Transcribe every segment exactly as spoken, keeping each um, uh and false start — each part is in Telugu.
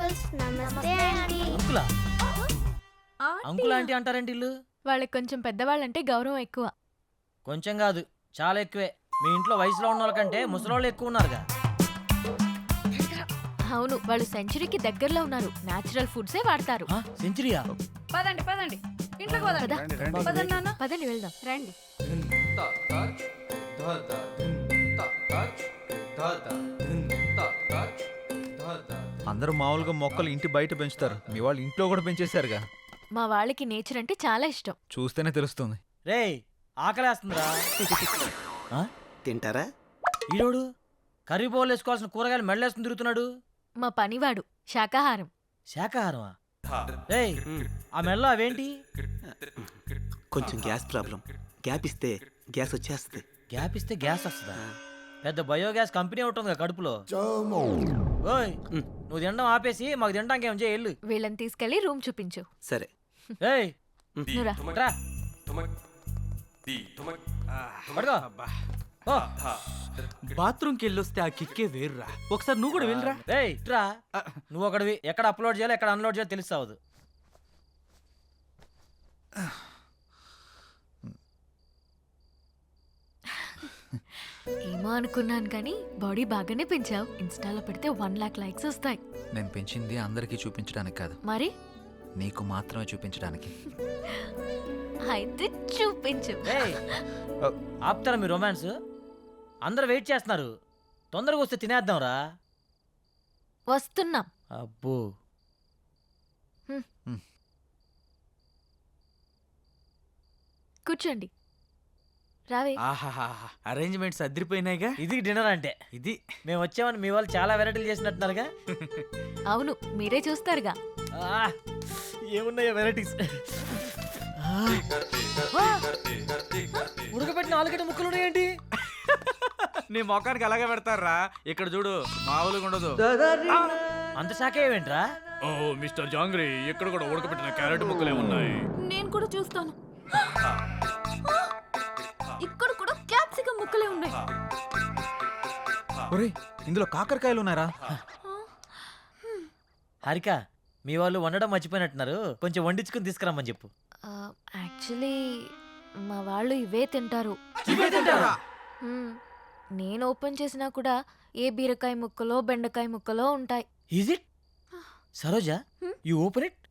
అంకుల్స్ నమస్తే ఆంటీ. అంకులా అంకుల్ ఆంటీ అంటారేంటి ఇల్లు? వాళ్ళకి కొంచెం పెద్దవాళ్ళంటే గౌరవం ఎక్కువ. కొంచెం కాదు, చాలా ఎక్కువే. మీ ఇంట్లో వయసులో ఉన్న వాళ్ళకంటే ముసలోళ్ళు ఎక్కువ ఉన్నారుగా. అవును, వాళ్ళు సెంచరీకి దగ్గరలో ఉన్నారు. నేచురల్ ఫుడ్సే వాడతారు. సెంచరీయా? పదండి పదండి ఇంట్లోకి పదండి. పద. పదండి నాన్న. పదండి వెళ్దాం. రండి. అందరూ మామూలుగా మొక్కలు ఇంటి బయట పెంచుతారు, మీ వాళ్ళు ఇంట్లో కూడా పెంచేశారుగా. మా వాళ్ళకి నేచర్ అంటే చాలా ఇష్టం. చూస్తేనే తెలుస్తుంది. రేయ్ ఆకలేస్తుందిరా. ఆ? తింటారా? ఈడోడు కర్రీ బౌల్ వేసుకోవాల్సిన కూరగాయలు మెడలేసుకుని తిరుగుతున్నాడు. మా పనివాడు శాకాహారం. శాకాహారమా? రేయ్ ఆ మెడలో అవేంటి? కొంచెం గ్యాస్ ప్రాబ్లం. గ్యాప్ ఇస్తే గ్యాస్ వచ్చేస్తుంది. గ్యాప్ ఇస్తే గ్యాస్ వస్తుందా? పెద్ద బయోగ్యాస్ కంపెనీ ఉంటుంది కడుపులో. ఓయ్ నువ్వు తినడం ఆపేసి మాకు తినడానికి ఏం చేయాలి? వీళ్ళని తీసుకెళ్లి రూమ్ చూపించు. సరే. ఏయ్ నువ్వురా. రా. పడుకో. ఓ. బాత్రూమ్కి వెళ్ళొస్తే ఆ కిక్కే వేరురా. ఒకసారి నువ్వు కూడా వెళ్ళరా. రేయ్ రా. నువ్వు ఒకటివి ఎక్కడ అప్లోడ్ చేయాలో ఎక్కడ అన్లోడ్ చేయాలో తెలుస్తావదు. ఏమో అనుకున్నాను కానీ బాడీ బాగానే పెంచావు. ఇన్స్టాలో పెడితే వన్ లాక్ లైక్స్ వస్తాయి. నేను పెంచింది అందరికీ చూపించడానికి కాదు, మరి నీకు మాత్రమే చూపించడానికి. అయితే చూపించు. రేయ్ ఆపుతారా మీ రొమాన్స్? అందరు వెయిట్ చేస్తున్నారు, తొందరగా వస్తే తినేద్దాం రా. వస్తున్నాం. అబ్బో కూర్చోండి. రావే. ఆహాహా, అరేంజ్మెంట్స్ అదిరిపోయినాయిగా. ఇది డిన్నర్ అంటే. ఇది మేము వచ్చామని మీ వాళ్ళు చాలా వెరైటీలు చేసినట్టున్నారుగా. అవును, మీరే చూస్తారుగా. ఆ, ఏమున్నాయో వెరైటీస్. ఉడకబెట్టిన ఆలుగడ్డ ముక్కలు ఉన్నాయేంటి? నీ మొఖానికి అలాగే పెడతారా. ఇక్కడ చూడు, మామూలుగా ఉండదు. అంత శాఖ ఏమేంట్రా? ఓ మిస్టర్ జాంగ్రీ, ఇక్కడ కూడా ఉడకబెట్టిన క్యారెట్ ముక్కలే ఉన్నాయి. నేను కూడా చూస్తాను. ఇక్కడ కూడా క్యాప్సికం ముక్కలే ఉన్నాయి. ఒరేయ్ ఇందులో కాకరకాయలు ఉన్నారా? హారిక మీ వాళ్ళు వండడం మర్చిపోయినట్టున్నారు, కొంచెం వండించుకుని తీసుకురమ్మని చెప్పు. యాక్చువల్లీ మా వాళ్ళు ఇవే తింటారు. హ్మ్. నేను ఓపెన్ చేసినా కూడా ఏ బీరకాయ ముక్కలో బెండకాయ ముక్కలో ఉంటాయి. Is it? Saroja you open it.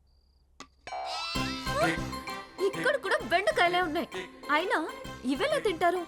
ఇక్కడ కూడా బెండకాయలే ఉన్నాయి. అయినా ఇవెలా తింటారు?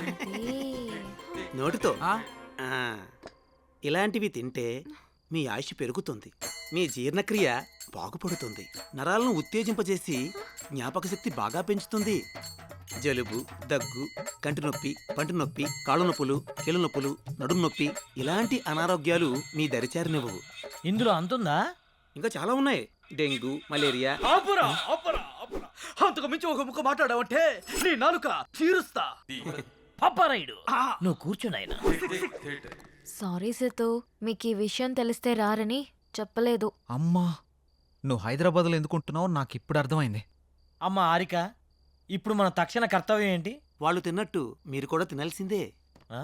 నోటితో. ఆ? ఆ, ఇలాంటివి తింటే మీ ఆయుష్ పెరుగుతుంది, మీ జీర్ణక్రియ బాగుపడుతుంది, నరాలను ఉత్తేజింపజేసి జ్ఞాపక శక్తి బాగా పెంచుతుంది. జలుబు, దగ్గు, కంటి నొప్పి, పంటి నొప్పి, కాళ్ళ నొప్పులు, కీళ్ళ నొప్పులు, నడుము నొప్పి ఇలాంటి అనారోగ్యాలు మీ దరిచారినివ్వవు. ఇందులో అంతుందా? ఇంకా చాలా ఉన్నాయి. Dengue, malaria. ఆపురా, ఆపురా, ఆపురా. అంతకు మించి ఒక ముక్క మాట్లాడావంటే నీ నాలుక చీరుస్తా. పాపారాయుడు నువ్వు కూర్చున్నాయన. సారీ సేతు, మీకు ఈ విషయం తెలిస్తే రారని చెప్పలేదు. అమ్మా, నువ్వు హైదరాబాద్లో ఎందుకుంటున్నావు నాకు ఇప్పుడు అర్థమైంది. అమ్మ హారిక, ఇప్పుడు మన తక్షణ కర్తవ్యం ఏంటి? వాళ్ళు తిన్నట్టు మీరు కూడా తినాల్సిందే. ఆ?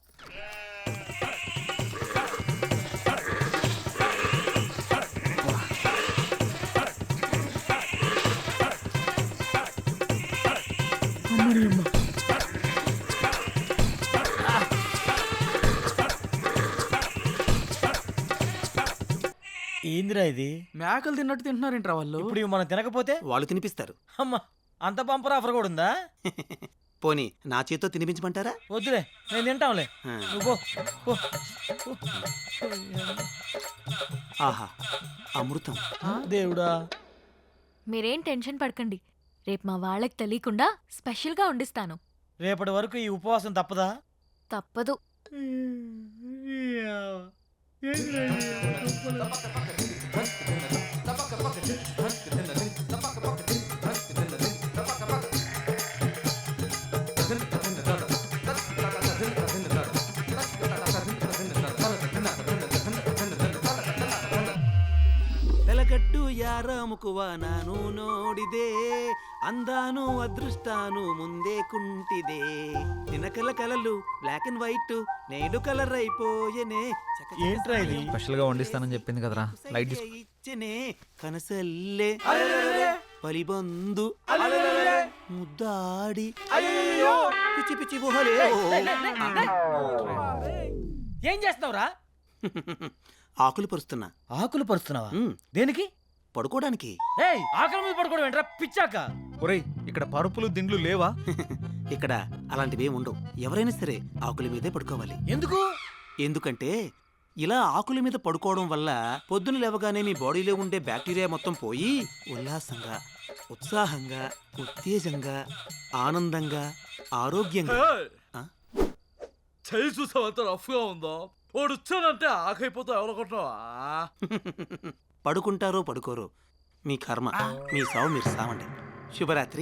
ఏందిరా ఇది? మేకలు తిన్నట్టు తింటున్నారేంట్రా వాళ్ళు? ఇప్పుడు ఇవి మనం తినకపోతే వాళ్ళు తినిపిస్తారు. అమ్మ అంత బంపర్ ఆఫర్ కూడా ఉందా? పోనీ నా చేతితో తినిపించమంటారా? వద్దులే, నేను తింటాంలే. ఆ. నువ్వు పో, పో. ఆహా, అమృతం. దేవుడా. మీరేం టెన్షన్ పడకండి, రేపు మా వాళ్ళకి తెలియకుండా స్పెషల్గా వండిస్తాను. రేపటి వరకు ఈ ఉపవాసం తప్పదా? తప్పదు. వెలగట్టు యారాముకువ నాను నోడిదే, అందాను అదృష్టాను ముందే కుంటిదే, నినకల కలలు బ్లాక్ అండ్ వైట్ నేడు కలర్ అయిపోయనే. చక ఏంట్రా ఇది? స్పెషల్ గా వండిస్తానని చెప్పింది కదరా, లైట్ తీసుకో. ఇచ్చనే కనసల్లే పలిబందు ముద్దాడి పిచ్చి పిచ్చి గుహలే ఏం చేస్తున్నావురా? ఆకులు పరుస్తున్నా. ఆకులు పరుస్తున్నావా? ఉమ్, దేనికి? పడుకోవడానికి. ఏయ్, ఆకలి మీద పడుకోవడం ఏంట్రా పిచ్చాక? ఒరేయ్ ఇక్కడ పరుపులు దిండ్లు లేవా? ఇక్కడ అలాంటివి ఉండవు. ఎవరైనా సరే ఆకుల మీదే పడుకోవాలి. ఎందుకు? ఎందుకంటే ఇలా ఆకుల మీద పడుకోవడం వల్ల పొద్దున లేవగానే మీ బాడీలో ఉండే బ్యాక్టీరియా మొత్తం పోయి ఉల్లాసంగా, ఉత్సాహంగా, ఉత్తేజంగా, ఆనందంగా, ఆరోగ్యంగా. ఆ? చేయి చూసావు ఎంత రఫ్ గా ఉందో. వాడు వచ్చానంటే ఆకైపోతా ఎవరనుకుంటున్నావా? పడుకుంటారో పడుకోరో మీ కర్మ. మీ సావు మీరు సావండి. శుభరాత్రి.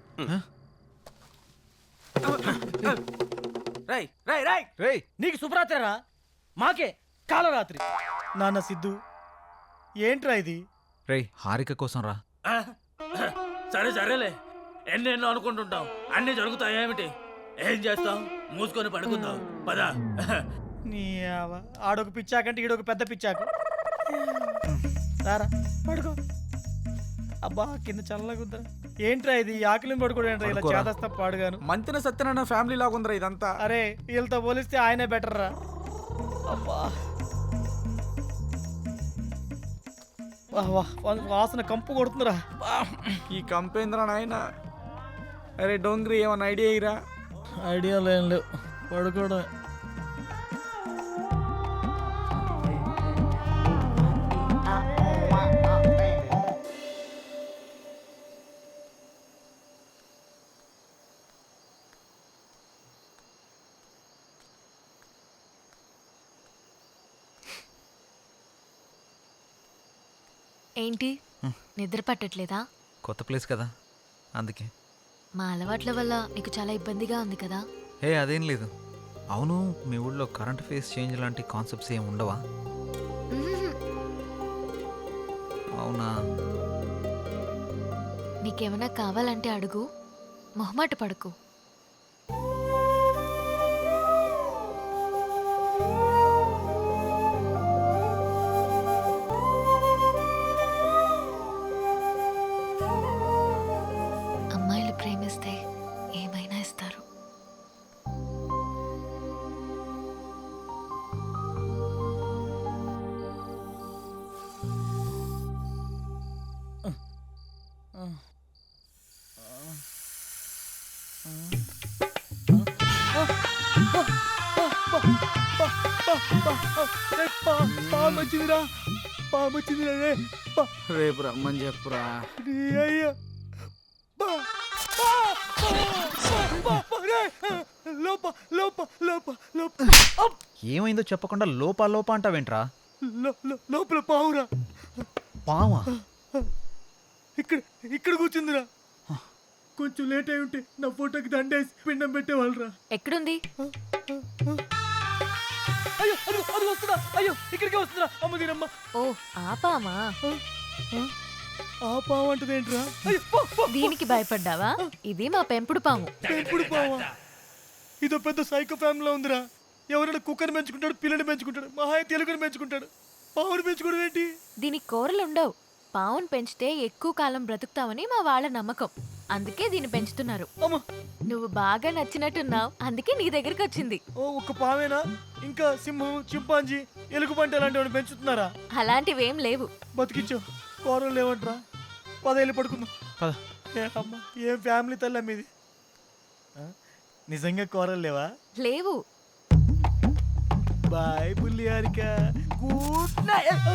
రై రై రై రేయ్ నీకు శుభరాత్రిరా, మాకే కాలరాత్రి. నాన్న సిద్ధు, ఏంట్రా ఇది? రేయ్ హారిక కోసం రా. సరే సరేలే, ఎన్నెన్నో అనుకుంటుంటాం, అన్ని జరుగుతాయి. ఏమిటి ఏం చేస్తాం? మూసుకొని పడుకుందాం పదా. నీ ఆవ- ఆడొక పిచ్చాకంటే ఈడొక పెద్ద పిచ్చాకు. రారా పడుకో. అబ్బా కింద చల్లగా ఉందరా. ఏంట్రా ఇది? ఆకలిని పడుకోవడం ఏంట్రా ఇలా పడుకోరా. చేదస్తా పాడుగాను. మంతిన సత్యనారాయణ ఫ్యామిలీ లాగా ఉందిరా ఇదంతా. అరే వీళ్ళతో పోలిస్తే ఆయనే బెటర్ రా. అబ్బా వాహ్ వాహ్, వా- వాసన కంపు కొడుతుందిరా. ఈ కంపేంద్ర నాయన. అరే డోంగ్రీ ఏమన్నా ఐడియా ఇరా? ఐడియాలు ఏం లేవు, పడుకోవడం. ఏంటి నిద్ర పట్టట్లేదా? కొత్త ప్లేస్ కదా అందుకే. మా అలవాట్ల వల్ల నీకు చాలా ఇబ్బందిగా ఉంది కదా? హే అదేం లేదు. అవును మీ ఊళ్ళో కరెంట్ ఫేస్ చేంజ్ లాంటి కాన్సెప్ట్స్ ఏమి ఉండవా? మ్మ్. అవునా? నీకేమైనా కావాలంటే అడుగు, మొహమాట పడకు. అమ్మాయిలు ప్రేమిస్తే ఏమైనా ఇస్తారు. పామొచ్చిందిరా, పామొచ్చిందిరా రే. పా- రేపు రమ్మని చెప్పురా. నీ అయ్యా. పా- పా- పా- పా- పా- రే. లోప లోప లోప లోప అప్. ఏమైందో చెప్పకుండా లోపా లోపా అంటావేంట్రా? లో- లో- లోపల పావురా. పావా? ఇక్కడ ఇక్కడ కూర్చుందిరా. కొంచెం లేట్ అయి ఉంటే నా ఫోటోకి దండేసి పిండం పెట్టేవాళ్ళరా. ఎక్కడుంది? అయ్యో అది అది వస్తుందా? అయ్యో ఇక్కడికే వస్తుందా? అమ్మ దీనమ్మ. ఓ ఆపామా? ఆ పావు అంటది ఏంట్రా? అయ్యో పో, పో. దీనికి భయపడ్డావా? ఇది మా పెంపుడు పాము. పెంపుడు పావా? ఇదో పెద్ద సైకో ఫ్యామిలీలో ఉందిరా. ఎవరైనా కుక్కని పెంచుకుంటాడు, పిల్లని పెంచుకుంటాడు, మహాయ తెలుగుని పెంచుకుంటాడు. పావుని పెంచుకోవడం ఏంటి? దీనికి కూరలు ఉండవు. పావును పెంచితే ఎక్కువ కాలం బ్రతుకుతావని మా వాళ్ళ నమ్మకం. అందుకే దీన్ని పెంచుతున్నారు. అమ్మ నువ్వు బాగా నచ్చినట్టున్నావు, అందుకే నీ దగ్గరికి వచ్చింది. ఓ ఒక్క పావేనా? ఇంకా సింహం, చింపాంజీ, ఎలుగుబంటి అలాంటివి పెంచుతున్నారా? అలాంటివేం లేవు. బతికించో. కూరలు లేవంట్రా. పదేళ్ళు పడుకుందాం. పద. ఏ అమ్మ, ఏం ఫ్యామిలీ తల్లి మీది. ఆ? నిజంగా కూరలు లేవా? లేవు. బాయ్ బుల్లి హారిక. Good night.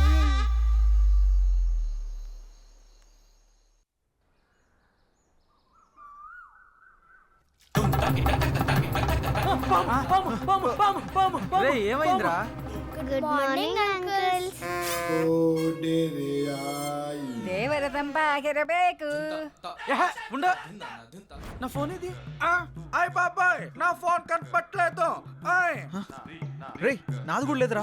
రే ఏమైందిరా? Good morning uncle. దేవరదంబాగిరಬೇಕು ఏహే, ఉండ. నా ఫోన్ ఇది. ఆ, ఆయ్ బాబాయ్ నా ఫోన్ కనపట్లేదు. ఆయ్. రేయ్ నాది కూడా లేదురా.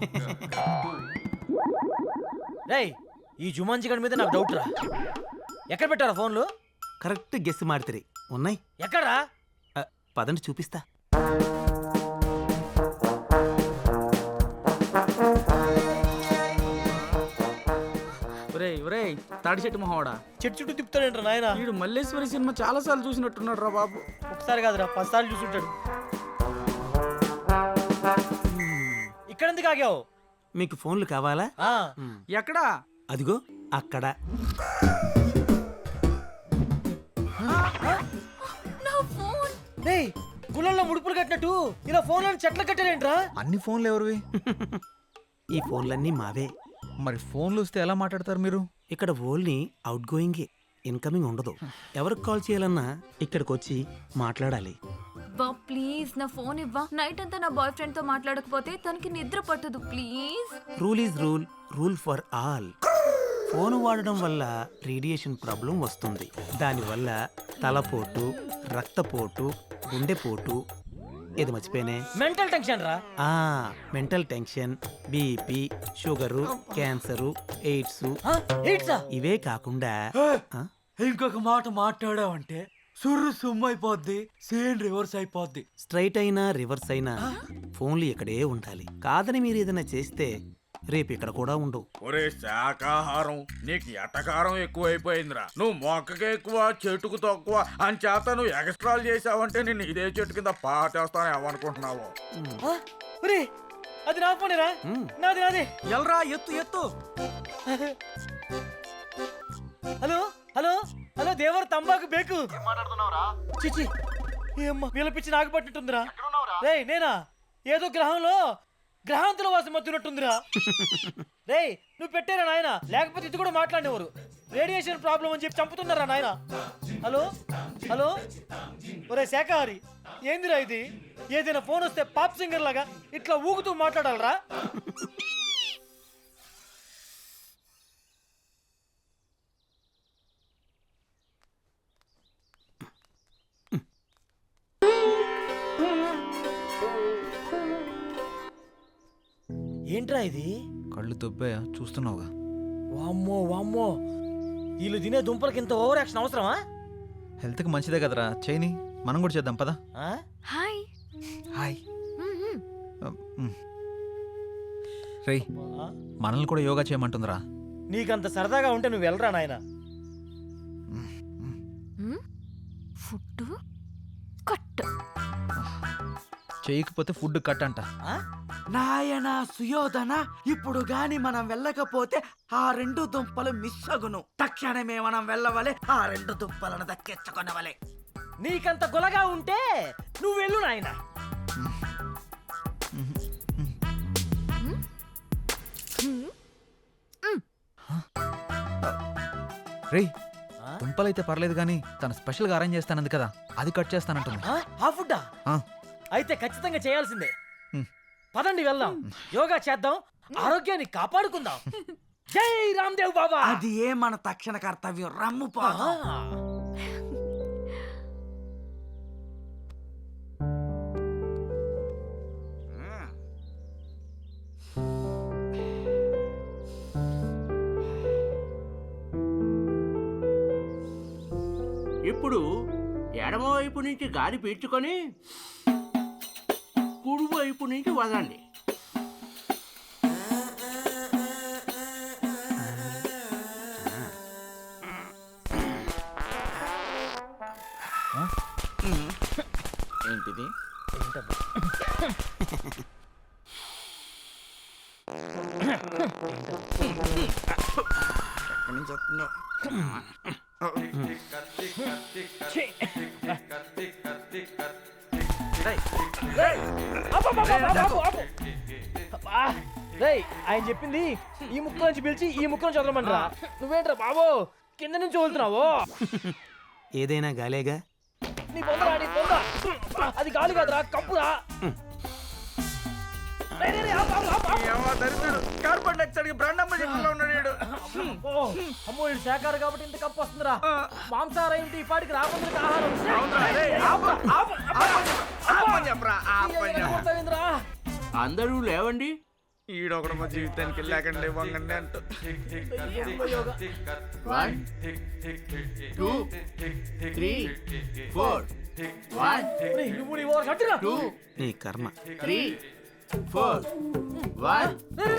రేయ్ ఈ జుమాన్జీ గడి మీద నాకు డౌట్ రా. ఎక్కడ పెట్టారా ఫోన్లు? కరెక్ట్ గెస్ మాడితే ఉన్నాయి. ఎక్కడా? పదండి చూపిస్తా. ఒరేయ్ ఒరేయ్ తాడి చెట్టు మొహోడా, చెట్టు చుట్టూ తిప్పుతాడంట నాయన. వీడు మల్లేశ్వరి సినిమా చాలా సార్లు చూసినట్టున్నాడు రా బాబు. ఒకసారి కాదురా పదిసార్లు చూసుంటాడు. ఇక్కడ ఎందుకు ఆగావు? మీకు ఫోన్లు కావాలా? ఆ, మ్, ఎక్కడా? అదిగో అక్కడ. నా ఫోన్. డేయ్ గుళ్ళల్లో ముడుపులు కట్టినట్టు ఇలా ఫోన్ చెట్లు కట్టారేంట్రా? అన్ని ఫోన్లు ఎవరివి? ఈ ఫోన్లన్నీ మావే. మరి ఫోన్లు వస్తే ఎలా మాట్లాడతారు మీరు? ఇక్కడ ఓన్లీ అవుట్ గోయింగ్, ఇన్కమింగ్ ఉండదు. ఎవరికి కాల్ చేయాలన్నా ఇక్కడికి వచ్చి మాట్లాడాలి. బా ప్లీజ్ నా ఫోన్ ఇవ్వా. నైట్ అంతా నా బాయ్ ఫ్రెండ్ తో మాట్లాడకపోతే తనకి నిద్ర పట్టదు. Please. Rule is rule, rule for all. Phone వాడడం వల్ల రేడియేషన్ ప్రాబ్లం వస్తుంది. దానివల్ల తలపోటు, రక్తపోటు, గుండెపోటు, ఇది మర్చిపోయినే, మెంటల్ టెన్షన్ రా. ఆ mental tension, BP, sugar, cancer, AIDS ఆ, ఏంట్రా? ఇవే కాకుండా ఆ, ఇంకొక మాట మాట్లాడావంటే సుర్రు సుమ్ము అయిపోద్ది, సేన్ రివర్స్ అయిపోద్ది. స్ట్రైట్ అయినా రివర్స్ అయినా ఫోన్లు ఇక్కడే ఉండాలి. కాదని మీరు ఏదైనా చేస్తే రేపు ఇక్కడ కూడా ఉండవు. ఒరే శాకాహారం, నీకు ఎటకారం ఎక్కువైపోయిందిరా. నువ్వు మొక్కకి ఎక్కువ చెట్టుకు తక్కువ అని చేత నువ్వు ఎక్స్ట్రాలు చేసావంటే నేను ఇదే చెట్టు కింద పాటేస్తాను ఏమనుకుంటున్నావు? ఆ, ఒరే అది నా ఫోనేరా. మ్. నాది నాది. ఎల్రా ఎత్తు ఎత్తు. హలో హలో హలో దేవర్ తంబాకు బేకు. చిచి ఏమ్మా వీళ్ళ పిచ్చి నాకు పట్టినట్టుందిరా. రేయ్ నేనా ఏదో గ్రహంలో గ్రహాంతుల వాసం మత్తున్నట్టుందిరా. రేయ్ నువ్వు పెట్టారా నాయన, లేకపోతే ఇది కూడా మాట్లాడేవారు. రేడియేషన్ ప్రాబ్లం అని చెప్పి చంపుతున్నారా నాయన. హలో హలో ఒరే శాఖాహారి ఏందిరా ఇది? ఏదైనా ఫోన్ వస్తే పాప్ సింగర్ లాగా ఇట్లా ఊగుతూ మాట్లాడాలరా? ఏంట్రా ఇది? కళ్ళు దొబ్బాయా? చూస్తున్నావుగా. వామ్మో వామ్మో వీళ్ళు తినే దుంపలకి ఇంత ఓవర్ యాక్షన్ అవసరమా? హెల్త్కి మంచిదే కదరా, చేయని. మనం కూడా చేద్దాం పదా. ఆ? హాయ్. హాయ్. మ్మ్. రేయ్ ఆ? మనల్ని కూడా యోగా చేయమంటుందిరా. నీకంత సరదాగా ఉంటే నువ్వు వెళ్ళరా నాయన. మ్మ్. Food cut. చేయకపోతే ఫుడ్ కట్ అంట. ఆ? నాయన సుయోధన, ఇప్పుడు గాని మనం వెళ్ళకపోతే ఆ రెండు దుంపలు మిస్ అగును. తక్షణమే మనం వెళ్ళవలే, ఆ రెండు దుంపలను దక్కించుకొనవలే. నీకంత గొలగా ఉంటే నువ్వు వెళ్ళు నాయన. రేయ్ ఆ? దుంపలైతే పర్లేదు కానీ తను స్పెషల్గా అరేంజ్ చేస్తానంది కదా, అది కట్ చేస్తానంటుంది. ఆ? ఆ ఫుడ్డా? ఆ. అయితే ఖచ్చితంగా చేయాల్సిందే. హ్మ్. పదండి వెళ్దాం, యోగా చేద్దాం, ఆరోగ్యాన్ని కాపాడుకుందాం. జై రామ్దేవ్ బాబా. అది ఏ మన తక్షణ కర్తవ్యం. రమ్ము ఆ. పోదాం. ఇప్పుడు ఎడమ వైపు నుంచి గాలి పీల్చుకొని కుడి వైపు నుంచి వదండి. ఏంటిది? ఎక్కడి నుంచి వస్తుందో? రేయ్ ఆయన చెప్పింది ఈ ముక్క నుంచి పిలిచి ఈ ముక్క నుంచి వదలమంటారా? నువ్వేంట్రా బాబు కింద నుంచి వదులుతున్నావు? ఏదైనా గాలేగా. నీ పొందరా నీ పొంద. అది గాలి కాదురా, కప్పురా. రేయ్, రేయ్, రేయ్, ఆపు, ఆపు, ఆపు, ఆపు. కార్బన్ డైఆక్సైడ్ బ్రాండమ్మ చెట్టులో ఉన్నాడు. ఓ, అమ్మో ఇది శాఖాహారి కాబట్టి ఇంత కప్పు వస్తుందిరా. మాంసాహారం ఏంటి ఈ పాటికి రాకుండా ఆహారం. ఆపు, ఆపు, ఆపు. ఏదైనా కొడతావేందిరా? అందరూ లేవండి. ఈడొకడు మా జీవితానికి వెళ్ళాకండి వంగండి అంటూ. ఏందో యోగా. One two three four one రేయ్, నువ్వు నీ ఓవర్ కట్టురా. టూ నీ కర్మ. త్రీ ఫోర్ వన్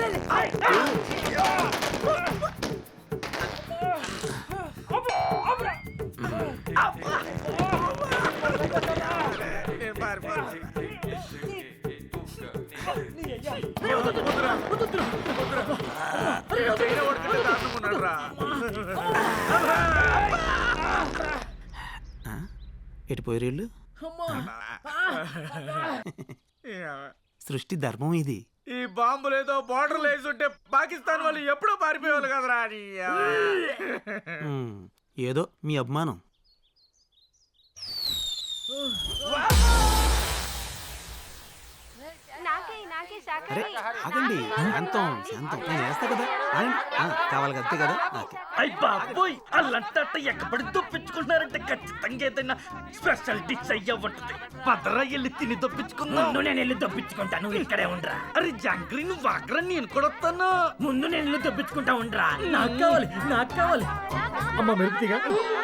ఎటు పోయేళ్ళు సృష్టి ధర్మం ఇది. ఈ బాంబులేదో బార్డర్ వేసుంటే పాకిస్తాన్ వాళ్ళు ఎప్పుడో పారిపోయేవాళ్ళు కదరా నీ అవ్వ. మ్మ్. ఏదో మీ అభిమానం. అరే ఆగండి, శాంతం శాంతం నేను వేస్తా కదా. ఆగండి. ఆ, కావాలి అంతే కదా. ఓకే. అయ్య బాబోయ్ అల్లంట ఎక్కబడి దొప్పించుకుంటున్నారంటే ఖచ్చితంగా ఏదైనా స్పెషల్ డిష్ అయ్యా ఉంటుంది. పదరా వెళ్ళి తిని దొప్పించుకుందాం. ముందు నేను వెళ్ళి దొప్పించుకుంటా, నువ్వు ఇక్కడే ఉండరా. అరే జాంగ్రీ నువ్వు వాగ్రా, నేను కూడా వస్తాను. ముందు నేను వెళ్ళి దొప్పించుకుంటా ఉండరా. నాకు కావాలి, నాకు కావాలి. అమ్మ మెరుపుతిగా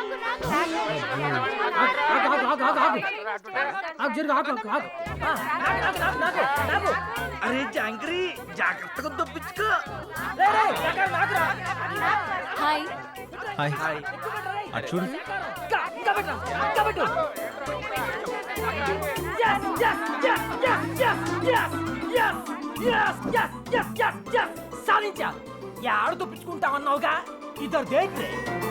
అరే జాంగ్రీ జాగ్రత్తగా దొప్పించుకో. హాయ్ హాయ్ అటు చూడు. యాడు తప్పించుకుంటా అన్నావుగా ఇద్దరు దేక్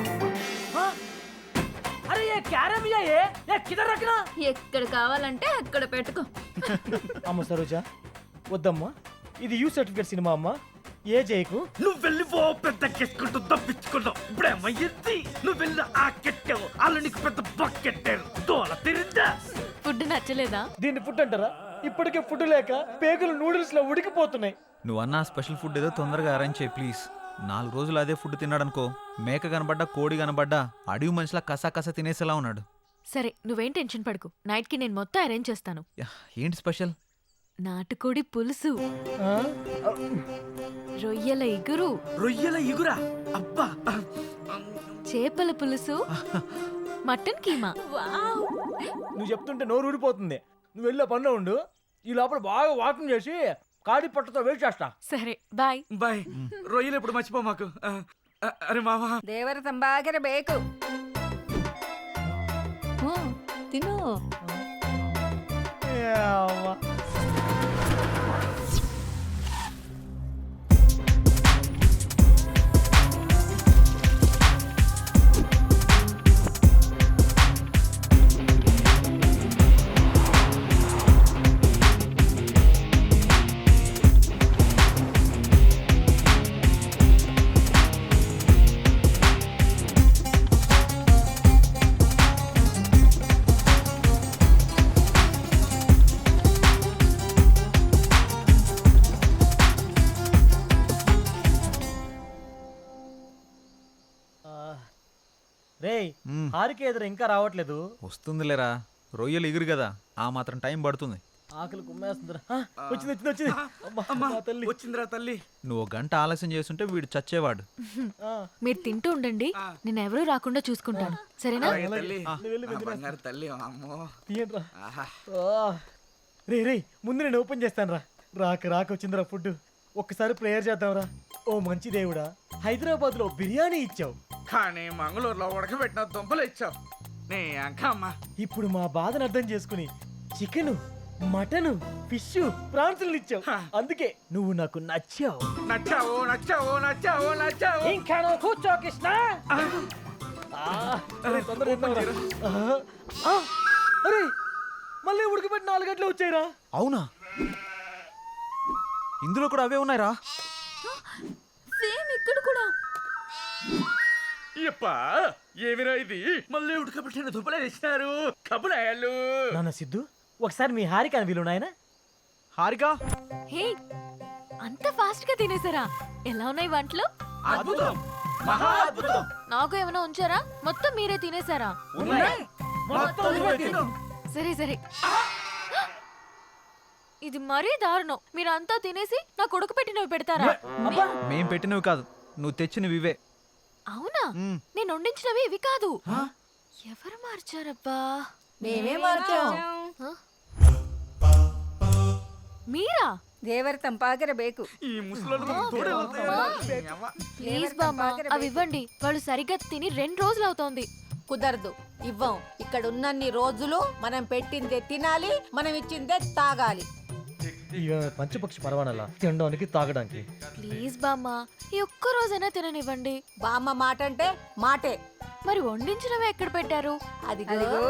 అరే ఏ క్యారమ్ ఏ ఏ కిదర్ రఖనా. ఎక్కడ కావాలంటే అక్కడ పెట్టుకో. అమ్మ సరోజా వద్దమ్మా, ఇది యూ సర్టిఫికేట్ సినిమా అమ్మా. ఏ జైకు నువ్వు వెళ్ళి ఓ పెద్ద కెట్టుకుంటూ దప్పించుకున్నావు. ఇప్పుడేమయ్యింది? నువ్వు వెళ్ళి ఆ కెట్టావు, వాళ్ళు నీకు పెద్ద బకెట్టారు. తోల తిరిందా? ఫుడ్ నచ్చలేదా? దీన్ని ఫుడ్ అంటారా? ఇప్పటికే ఫుడ్ లేక పేగులు నూడిల్స్ లో ఉడికిపోతున్నాయి. నువ్వు అన్న స్పెషల్ ఫుడ్ ఏదో తొందరగా అరేంజ్ చేయి ప్లీజ్. నాలుగు రోజులు అదే ఫుడ్ తిన్నాడనుకో, మేక కనబడ్డా కోడి కనబడ్డా అడవి మనిషిలా కసా కసా తినేసేలా ఉన్నాడు. సరే నువ్వేం టెన్షన్ పడకు, నైట్ కి నేను మొత్తం అరేంజ్ చేస్తాను. యా, ఏంటి స్పెషల్? నాటుకోడి పులుసు, ఆ? రొయ్యల ఇగురు, రొయ్యల ఇగురా? అబ్బా చేపల పులుసు, మటన్ కీమా. నువ్వు చెప్తుంటే నోరు ఊడిపోతుంది. నువ్వు వెళ్ళే పనిలో ఉండు, ఈ లోపల బాగా వాకింగ్ చేసి కాడి పట్టతో వెయిట్ చేస్తా. సరే బాయ్. బాయ్. రొయ్యలు ఎప్పుడు మర్చిపో మాకు. ఆ, ఆ, అరే మావా ದೇವರ ತಂಬಾಗಿರ ಬೇಕು. ತಿನ್ನು. ఏ అవ్వ. రేయ్ మ్మ్. హారిక ఎదురు ఇంకా రావట్లేదు. వస్తుందిలేరా, రొయ్యలు ఎగురు కదా, ఆ మాత్రం టైం పడుతుంది. ఆకలి కుమ్మేస్తుందిరా. ఆ, వచ్చింది వచ్చింది వచ్చింది. అమ్మా, అమ్మా నా తల్లి. వచ్చిందిరా తల్లి. నువ్వు ఒక గంట ఆలస్యం చేస్తుంటే వీడు చచ్చేవాడు. ఆ, మీరు తింటూ ఉండండి, నేను ఎవరూ రాకుండా చూసుకుంటాను. సరేనా? అలాగే తల్లి. నువ్వు వెళ్ళి ఆ, వెంటనే బంగారు తల్లి అమ్మో. తీయండిరా. ఆహా. ఆ, రే రే ముందు నేను ఓపెన్ చేస్తాను రా. రాక రాక వచ్చిందిరా ఫుడ్. ఒక్కసారి ప్రేయర్ చేద్దాంరా. ఓ మంచి దేవుడా, హైదరాబాద్ లో బిర్యానీ ఇచ్చావు, కానీ మంగళూరులో ఉడకబెట్టిన దుంపలు ఇచ్చావు. నీ అంకమ్మ. ఇప్పుడు మా బాధను అర్థం చేసుకుని చికెన్, మటన్, ఫిష్, ప్రాన్స్ ఇచ్చావు. అందుకే నువ్వు నాకు నచ్చావు. నచ్చావు నచ్చావు నచ్చావు నచ్చావు. ఇంకా నువ్వు కూర్చో కృష్ణ. ఆ, అరే, తొందరగా తిందాంరా. ఆ, ఆ, అరే మళ్ళీ ఉడకబెట్టి నాలుగు గంటలు వచ్చాయిరా. అవునా? ఇందులో కూడా అవే ఉన్నాయిరా. సేమ్ ఇక్కడ కూడా. ఇప్పా ఏమిరా ఇది? మళ్ళీ ఉడకబెట్టిన దుబ్బలే తెచ్చినారు. కబులాయాలు. నాన్న సిద్ధు, ఒకసారి మీ హారిక వీలు నాయన. హారిక హే, అంత ఫాస్ట్ గా తినేసారా? ఎలా ఉన్నాయి వంటలు? అద్భుతం, మహా అద్భుతం. నాకు ఏమైనా ఉంచారా? మొత్తం మీరే తినేసారా? ఉన్నాయి. మొత్తం నువ్వే తిను. సరే సరే. ఇది మరీ దారుణం. మీరంతా తినేసి నా కొడుకు పెట్టినవి పెడతారా? మేం పెట్టినవి కాదు, నువ్వు తెచ్చినవి ఇవే. అవునా? మ్మ్. నేను వండించినవి ఇవి కాదు. ఎవరు మార్చారబ్బా? మేమే మార్చాం. మీరా? ದೇವರ ತಂಪಾಗಿರ ಬೇಕು ఈ ముసలోడు ప్లీజ్ బామ్మ అవి ఇవ్వండి వాళ్ళు సరిగ్గా తిని రెండు రోజులు అవుతోంది. కుదరదు, ఇవ్వం. ఇక్కడ ఉన్నన్ని రోజులు మనం పెట్టిందే తినాలి, మనం ఇచ్చిందే తాగాలి. ఇక పంచపక్షి పరవానలా తినడానికి తాగడానికి. ప్లీజ్ బామ్మ ఈ ఒక్క రోజైనా తిననివ్వండి. బామ్మ మాట అంటే మాటే. మరి వండించినవి ఎక్కడ పెట్టారు? అదిగో అదిగో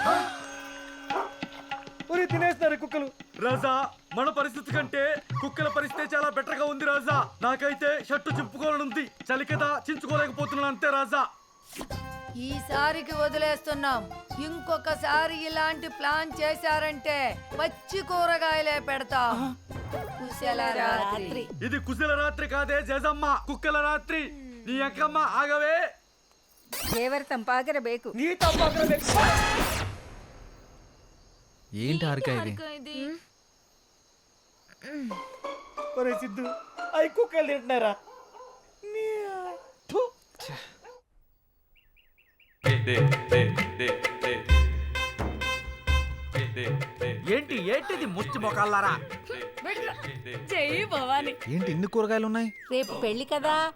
ఒరే తినేస్తున్నారు కుక్కలు. రాజా, మన పరిస్థితి కంటే కుక్కల పరిస్థితి చాలా బెటర్ గా ఉంది రాజా. నాకైతే షర్టు చింపుకోవాలనుంది, చలి కదా చించుకోలేకపోతున్నాను అంతే రాజా. ఈసారికి వదిలేస్తున్నాం. ఇంకొకసారి ఇలాంటి ప్లాన్ చేశారంటే పచ్చి కూరగాయలే పెడతాం. కుశల రాత్రి. ఇది కుశల రాత్రి కాదే జేజమ్మ, కుక్కల రాత్రి. నీ అక్కమ్మ ఆగవే. ದೇವರ ತಂಪಾಗಿರ ಬೇಕು నీ తమ్మాకర ಬೇಕು. ఏంటి హారిక ఇది? ఒరే సిద్ధు, అవి కుక్కలు తింటున్నారా? థు. ఏంటి ఏంటిది ముచ్చి మొకాలారా? ఏంటి ఇన్ని కూరగాయలు ఉన్నాయి? రేపు పెళ్లి కదా,